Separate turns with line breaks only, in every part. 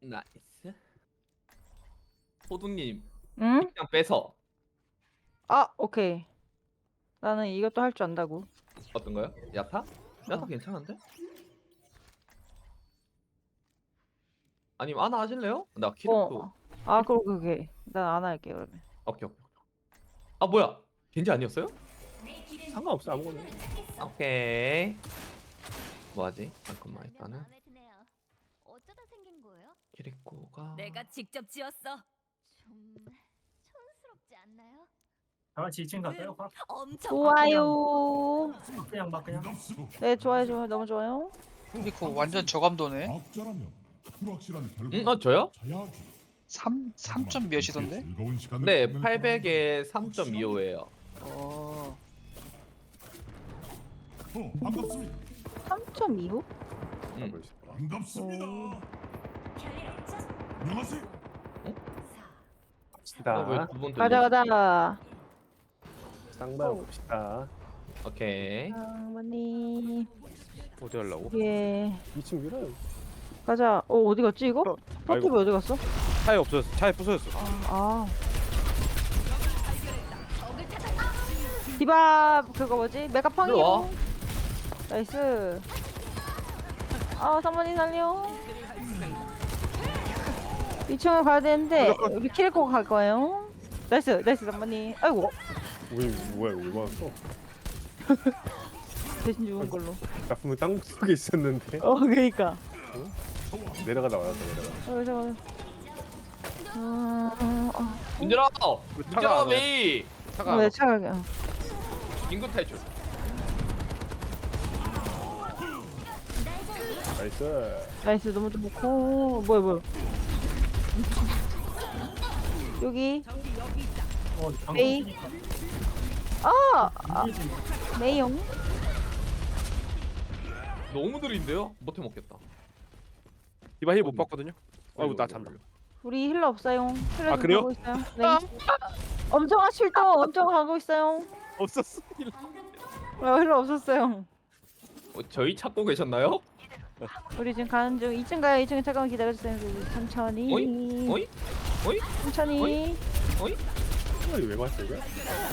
나이스. 호두님
응?
그냥 빼서
아, 오케이. 나는 이것도 할 줄 안다고.
어떤 거요? 야타? 야타
어.
괜찮은데? 아니면 하나 하실래요? 나 키르크.
아, 그러게. 난 안 할게, 그러면.
오케이 오케이. 아 뭐야? 겐지 아니었어요?
상관없어 아무거나.
오케이. 뭐하지? 잠깐만 일단은
마음에 드네요. 어쩌다 생긴 거예요?
키리코가
내가 직접 지었어. 좀 촌스럽지 않나요?
다 같이 2층 갈까요?
엄청
좋아요.
그냥 막 그냥
네, 좋아요, 좋아요. 너무 좋아요.
그리고 완전 저감도네.
악자라면 불확실한 결과.
응? 저요?
3점 몇이던데?
네 800에 3.25예요.
반갑습니다.
3.25?
반갑습니다. 안녕하세요.
봅시다.
왜두번
가자, 가자.
쌍방 봅시다.
오케이.
어머니.
어디 하려고?
예.
2층 밀어요.
가자. 어디 갔지, 이거?
아이고.
포탑이 어디 갔어?
차에 없어졌어. 차에 부서졌어.
아. 디바, 그거 뭐지? 메가
일로 와.
팡이로. 나이스. 아, 사모님 살려. 2층을 가야 되는데, 여기 키리코 갈 거예요. 나이스, 나이스, 사모님. 아이고,
우리 뭐야 이거 왜 왔어?
대신 죽은 걸로.
나 분명 땅 속에 있었는데
그니까.
내려가다 말았어 내려가.
잠깐만.
민준아!
차가
민준아
안
메이!
차가
왜 차가게.
인구 탈출.
나이스.
나이스, 너무 좋고. 뭐야. 여기,
방금
메이.
뛰니까
아!
이기지.
메이용.
너무 느린데요? 못해 먹겠다.
디바 힐 못 봤거든요. 아이고 나 잠들.
우리 힐러 없어요. 힐러
아,
좀
그래요?
가고 있어요. 네. 엄청 하실도 엄청 가고 있어요.
없었어.
힐러 없었어요.
저희 찾고 계셨나요?
우리 지금 가는 중. 2층 가요. 2층에 잠깐만 기다려주세요. 천천히.
어이? 어이? 어이?
천천히.
어이? 어이?
이거 왜 맞어 이거?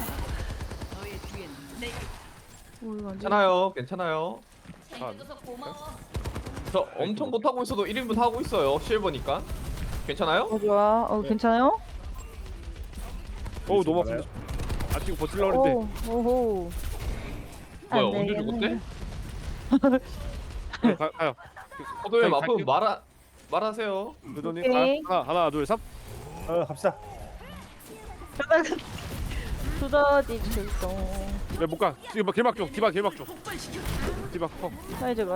괜찮아요. 괜찮아요.
챙겨줘서 고마워.
저 엄청 못하고 있어도 1인분 하고 있어요. 실버니까. 괜찮아요?
좋아. 괜찮아요?
어우 너무 아픈데. 아 지금 버틸라 그랬는데.
오호.
뭐야
안
언제
되겠네.
죽었대?
가요.
호도님
가-
아프면
갈게요.
말하세요.
누더님
오케이.
하나 둘 셋. 갑시다.
두더지 출동.
왜못 가? 지금 뭐 길막 쪽. 디바 길막 쪽. 디바 커.
나이제가.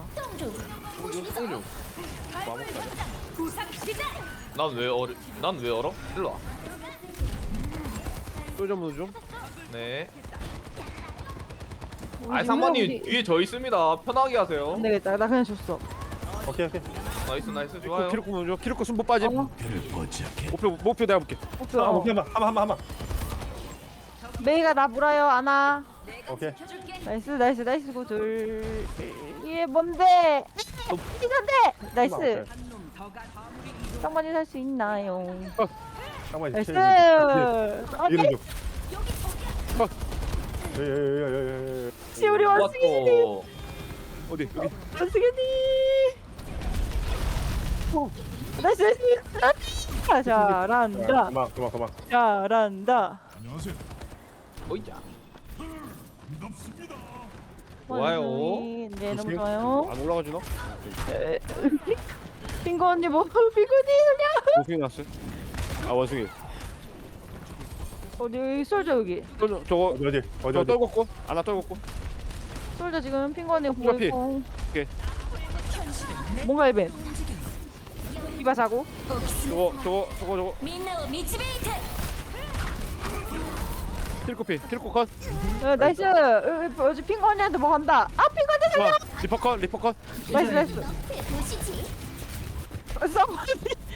난 왜 얼어? 일로 와.
쫄좀 좀.
네.
우리
아 상관님
우리-
뒤에 저 있습니다. 편하게 하세요.
안 되겠다. 나 그냥 줬어.
오케이.
나이스 좋아요.
키로코 먼저. 키로코 순보 빠짐.
어?
목표 내가 볼게.
목표.
한번.
메이가 나 물어요. 안아.
오케이.
나이스 고둘. 이게 뭔데? 이건데. 나이스. 쌍만이 살 수 있나요?
잠깐만.
나이스.
이름 좀. 예예예예예.
우리 원숭이님.
왔고.
어디 여기.
원숭이님. 나이스. 잘한다.
그만.
잘한다.
안녕하세요.
어이자.
반갑습니다.
좋아요.
네, 너무 좋아요.
안 올라가 주나?
빙고 언니 뭐? 빙고 언니
원숭이 났어요. 아 원숭이.
어디 솔져 여기.
저거 어디 떨궜고 하나 떨궜고.
솔져 지금 핑거 언니 보고
앞에.
있고.
오케이.
뭔가 이벤. 이봐 자고.
저거
민나오 미치베이트.
킬코 컷.
나이스. 어제 핑거 언니한테 뭐 간다. 아 핑거 언니 살려.
좋아. 리퍼 컷.
나이스.
보시지.
쌍만이.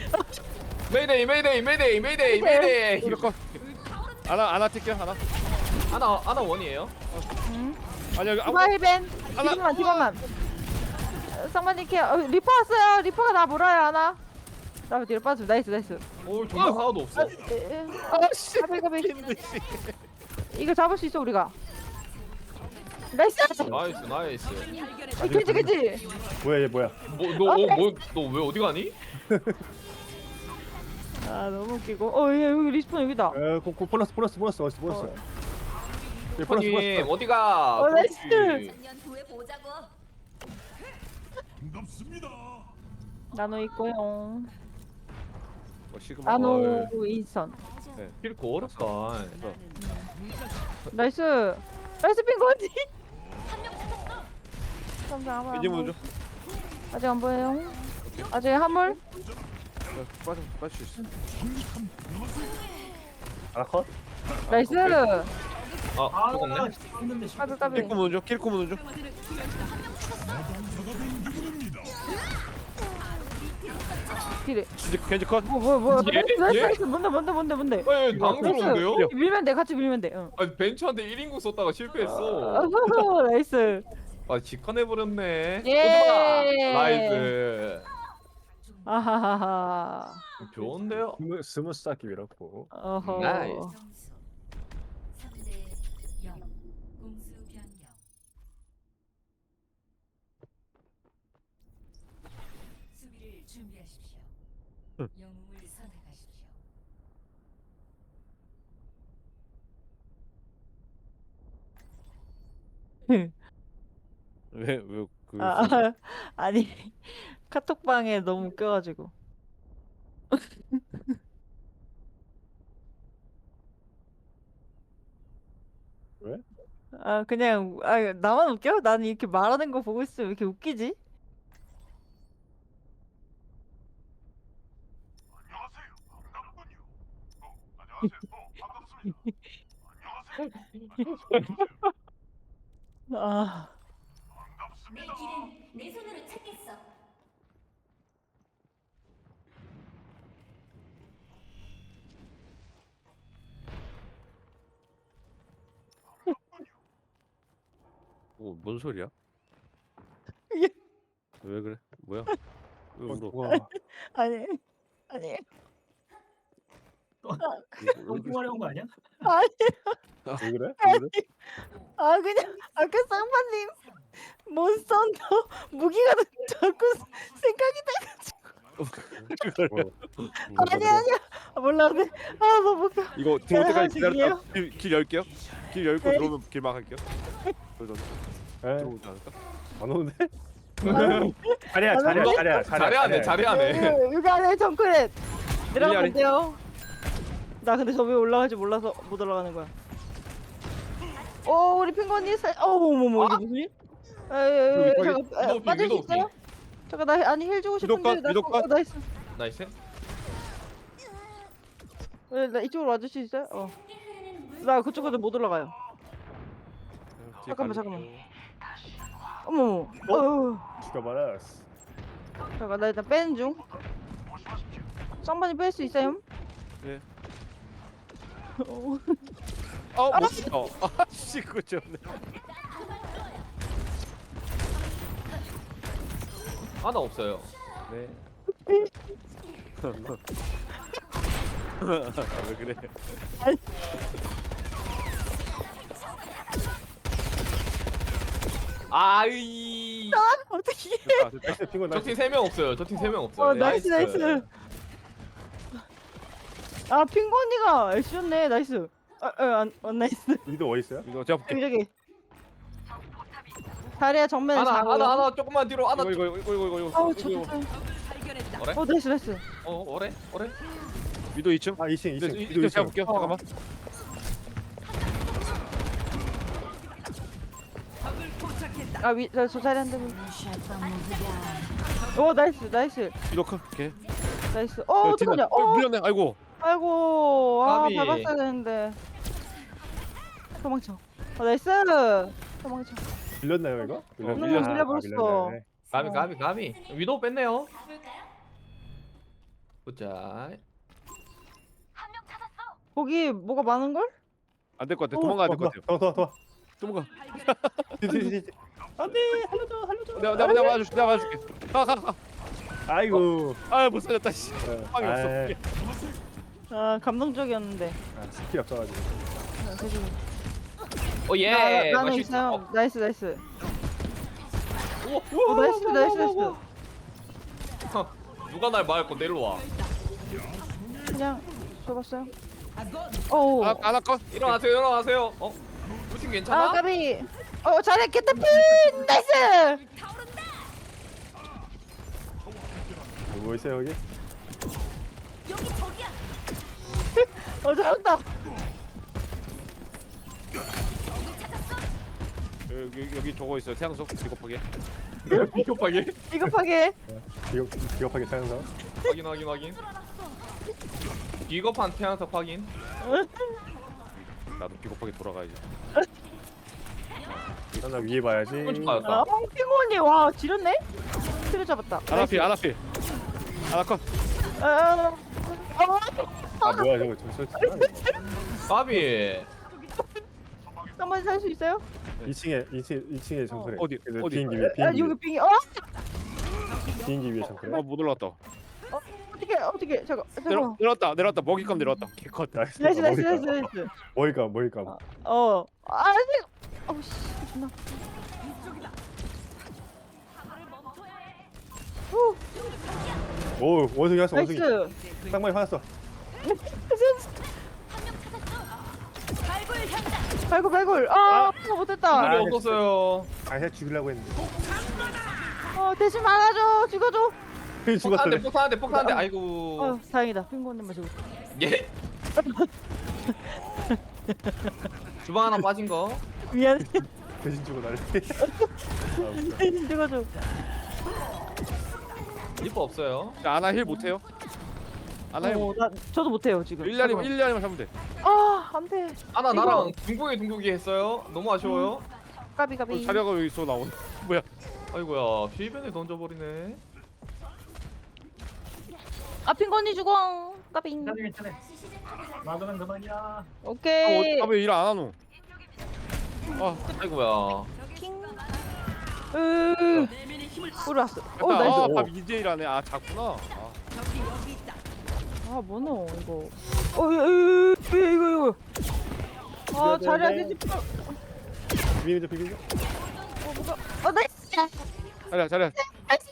메이데이.
리퍼 컷. 하나 뛸게요 하나.
하나 원이에요.
아니 여기
디바 힐벤.
하나.
디바만. 쌍만이 케어. 리퍼 왔어요. 리퍼가 나 물어요 하나. 나 뒤로 빠져. 나이스 나이스.
오 정말 하나도 없어.
아씨.
가비 가비. 이거 잡을 수 있어 우리가. 나이스.
나이스 나이스.
그지 그지.
뭐야 얘 뭐야?
너 왜 어디 가니?
아 너무 웃기고. 어얘 여기 리스폰 여기다.
보너스 어디 보너스? 예, 보너스
형님 어디가?
어, 나이스.
그렇지.
3년 후에 보자고.
반갑습니다.
나노 있고요.
시그마.
나노 인선.
킬코 어렵다.
나이스. 나이스 핑거지. 감사합니다.
이제 먼저.
아직 안 보여요. 아직 한물.
빠질 수 있어.
아컷?
나이스.
아 죽었네.
했는데
까비 까비.
킬코 먼저. 킬코 먼저.
딜.
겐지 컷.
뭐.
예?
나이스
예?
나이스. 뭔데.
에 당구로운데요?
나이스. 밀면 돼. 같이 밀면 돼. 응.
아니 벤츠한테 1인구 썼다가 실패했어.
어허허, 나이스.
아 직관해버렸네.
예.
나이스.
아하하하.
좋은데요?
스무스 쌓기 밀었고.
어허.
나이스.
3대 0. 공수 변경. 수비를 준비하십시오. 영웅을 선택하십시오.
왜그
아니 카톡방에 너무 웃겨가지고.
왜?
그냥 나만 웃겨? 나는 이렇게 말하는 거 보고 있으면 왜 이렇게 웃기지? 아
내 길은 내 손으로 찾겠어.
뭔 소리야?
이게-
왜 그래? 뭐야? 왜 울어?
누가
아니
똥똥하려는 거 아니야?
왜 그래?
그냥 아까 쌍파님 몬스터인터 무기가 자꾸 생각이 아니야 몰라 근데 너무 웃겨.
이거 들어올 때까지
하나씩이에요?
기다렸다. 길 열게요. 길 열고
네.
들어오면 길 막을게요. 그래서
에?
들어오지 않을까?
안 오는데? 자리야.
잘해하네.
여기 안에 정크렛 내려가면
아래.
돼요. 나 근데 저 위에 올라갈지 몰라서 못 올라가는 거야. 오 우리 핑거니 어머머머 이게 무슨 일? 잠깐 빠질 수 있어요? 잠깐 나 아니 힐 주고 싶은데
위독
나이스.
나이스.
나 이쪽으로 와줄 수 있어요? 나 그쪽으로 못 올라가요. 잠깐만. 어머.
죽여버렸어.
잠깐 나 일단 빼는 중. 쌍반이 뺄 수 있어요?
예.
어.
못. 아씨 그거 좀.
하나 없어요.
네. 왜 그래?
아이.
어떻게?
나이스 핑거
저
나이스.
팀 3명 없어요. 저 팀 3명 없어요.
나이스. 아 핑거니가 애쉬였네. 나이스. 나이스.
위도 어디 있어요?
이거 제가 볼게.
저기. 다리야 정면에 잡고.
하나 조금만 뒤로 하나.
이거.
아우 좋다.
어래?
나이스.
어래?
위도 2층.
2층.
위도 제가 볼게요. 잠깐만.
저 자리 한 대면. 오 나이스.
위도 컷. 오케이.
나이스. 어떡하냐?
밀렸네. 아이고.
아이고.
까비.
밟았어야 되는데. 도망쳐. 나이스. 도망쳐.
밀렸나요 이거?
밀려버렸어.
가미. 위도우 뺐네요. 보자.
한 명 찾았어.
거기 뭐가 많은 걸?
안 될 것 같아. 도망가야 될 것 같아요.
도망가.
도망가.
안돼 살려줘.
내가 맞아줄게. 가.
아이고.
아못 살렸다 씨. 빵이 없어.
아이,
아 감동적이었는데.
스킬이 없어가지고.
오예.
나는 있어요. 나이스 나이스. 나이스 나이스.
누가 날 막을 건데 일로 와.
그냥 줘봤어요. 오.
아나 건.
일어나세요 일어나세요. 우리 팀 괜찮아?
아 까비. 잘해 개타핀 나이스.
뭐 있어요 여기?
여기 저기야.
잘한다.
여기 저거 있어요. 태양석 비겁하게.
비겁하게.
비겁하게.
비겁하게 차영사.
확인. 비겁한 태양석 확인.
나도 비겁하게 돌아가야지.
나 위에 봐야지.
좀 빠졌다.
핑곤이 와 지렸네. 키를 잡았다.
아나필. 아나컷.
아 뭐야 저거 저
까비.
한번 살 수 있어요?
2층에 정크래.
어디?
비행기 위에
아 여기 빙이
비행기 위에 정크래.
못 올라왔다.
어떻게 잠깐.
내려왔다. 먹잇감 내려왔다. 개컷.
나이스.
나이스.
뭐일까?
아니 씨 존나.
오 원숭이 왔어 원숭이.
나이스.
쌍마이 화났어.
발굴. 못했다.
물이 없었어요.
아해 죽이려고 했는데.
대신 막아줘. 죽어줘.
죽었어.
폭탄한데. 아이고.
다행이다. 핑곤님만 죽었어.
예. 주방 하나 빠진 거.
미안해.
대신 주고 나를.
대신 죽어줘.
리퍼 없어요.
아나 힐 못해요? 아나 힐.
저도 못해요 지금.
1년이면 잡으면 돼.
안돼.
아나 나랑 둥국이 했어요. 너무 아쉬워요.
까비.
자리가 여기 있어 나온. 뭐야?
아이고야 필변에 던져버리네.
핑곤이 죽어. 까비.
괜찮아. 막으면 그만이야.
오케이.
왜 일 안 하노?
아이고야.
우리 왔어. 나이스.
밥 이제 일하네. 작구나.
뭐노 이거. 이거. 자리야 되지.
비비죠.
나이스.
자리야.
나이스.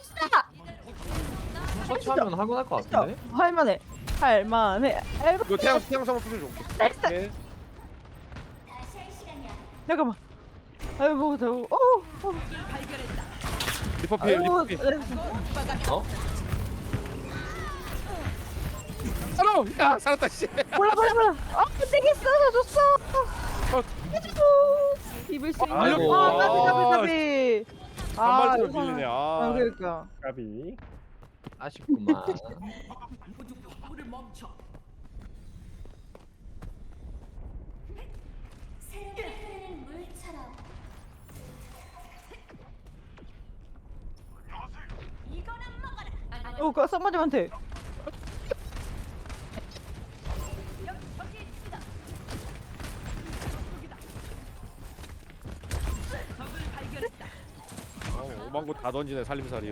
터치하면 할만할 것 같은데.
할만해.
이거 태양성을 부숴줘.
나이스.
오케이.
다시 할 시간이야.
잠깐만. 아이고 더워.
리퍼필.
어?
야 살았다 씨.
몰라. 되겠어. 줬어. 해주고. 입을 수 있는.
아이고.
까비.
단발처럼
이거는-
밀리네.
그러니까.
까비.
아쉽구만.
새롭게 흐르는 물처럼. 이거는 먹어라.
썸머님한테.
오만 거 다 던지네 살림살이.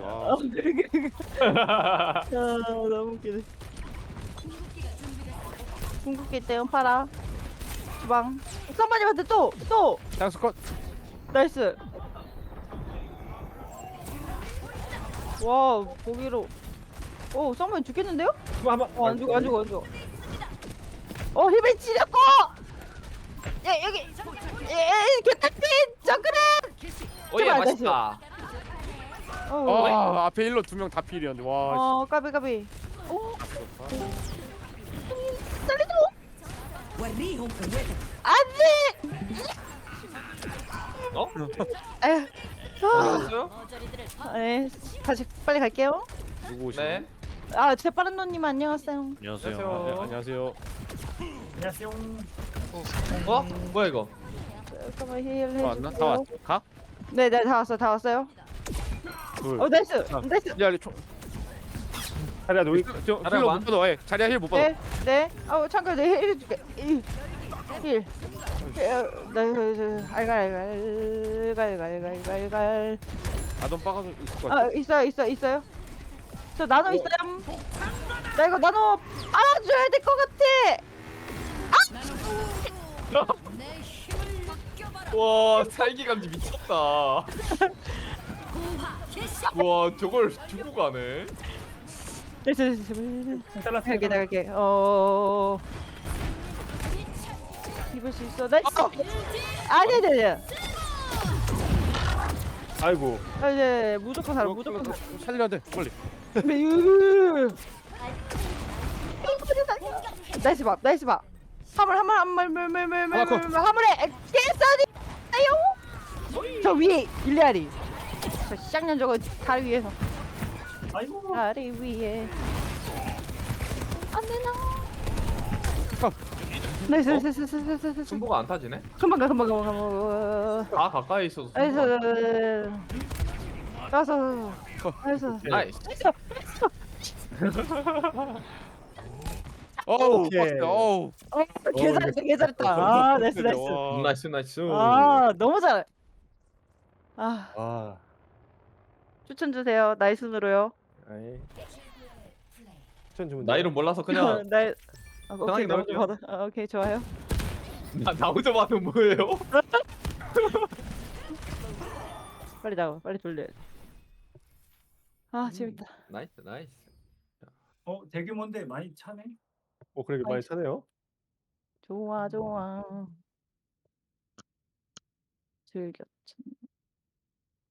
너무 웃기네. 궁극기 때문 팔아. 주방. 썸머님한테 또.
태양스컷.
나이스. 와 고기로. 썸머님 죽겠는데요? 안 죽어. 힐벤 찌렸고. 여기. 개타핀 정글은.
오예
제발,
맛있다.
앞에 일로 2명 다 필이었는데. 와.
까비. 살리지 안돼.
어?
에휴.
어디갔어요?
네, 다시 빨리 갈게요.
누구 오시네?
네.
재빠른 노님 안녕하세요.
안녕하세요.
안녕하세요.
안녕하세요.
안녕하세요.
뭐야 이거?
잠깐만 힐
다 왔나? 다
해주세요.
왔어. 가?
네, 다 왔어요.
둘.
나이스.
야, 총.
자리야 너희
저
자리야,
힐러
만.
못 받아. 자리야 힐 못 받아.
네. 참고로 내 힐 해줄게. 힐. 알갈.
아돈 빠가서 있을 것 같아.
있어요. 저 나노 있어요. 나 이거 나노 알아줘야 될 것 같아.
와 살기 감지 미쳤다. 와 저걸 두고 가네.
됐어.
잘랐어.
갈게 나갈게. 입을 수 있어. 나이스. 아니야.
아이고.
이제 무조건 살아. 무조건 살아.
살려야 돼 빨리.
나이스 밥. 화물에 개싸니. 아요. 저 위에 일리아리. 저 쌍년 저거 다리 위에서.
아이고.
다리 위에. 안 되나? 나이스.
승부가 안 타지네.
금방 가.
다 가까이 있어서.
나이스.
승부가
나이스.
나이스.
어우
오케이.
빡세. 어우.
개잘했다. 아, 나이스.
와.
나이스.
아, 너무 잘해.
아.
추천 주세요. 나이스으로요.
아이. 추천 주문.
나이를 몰라서 그냥
나 오케이,
편하게
받아. 오케이, 좋아요.
나오자마자 뭐예요?
빨리 나와. 빨리 돌려야지. 아, 재밌다.
나이스.
대규모인데 많이 차네.
그러게 많이 차네요.
좋아. 즐겼.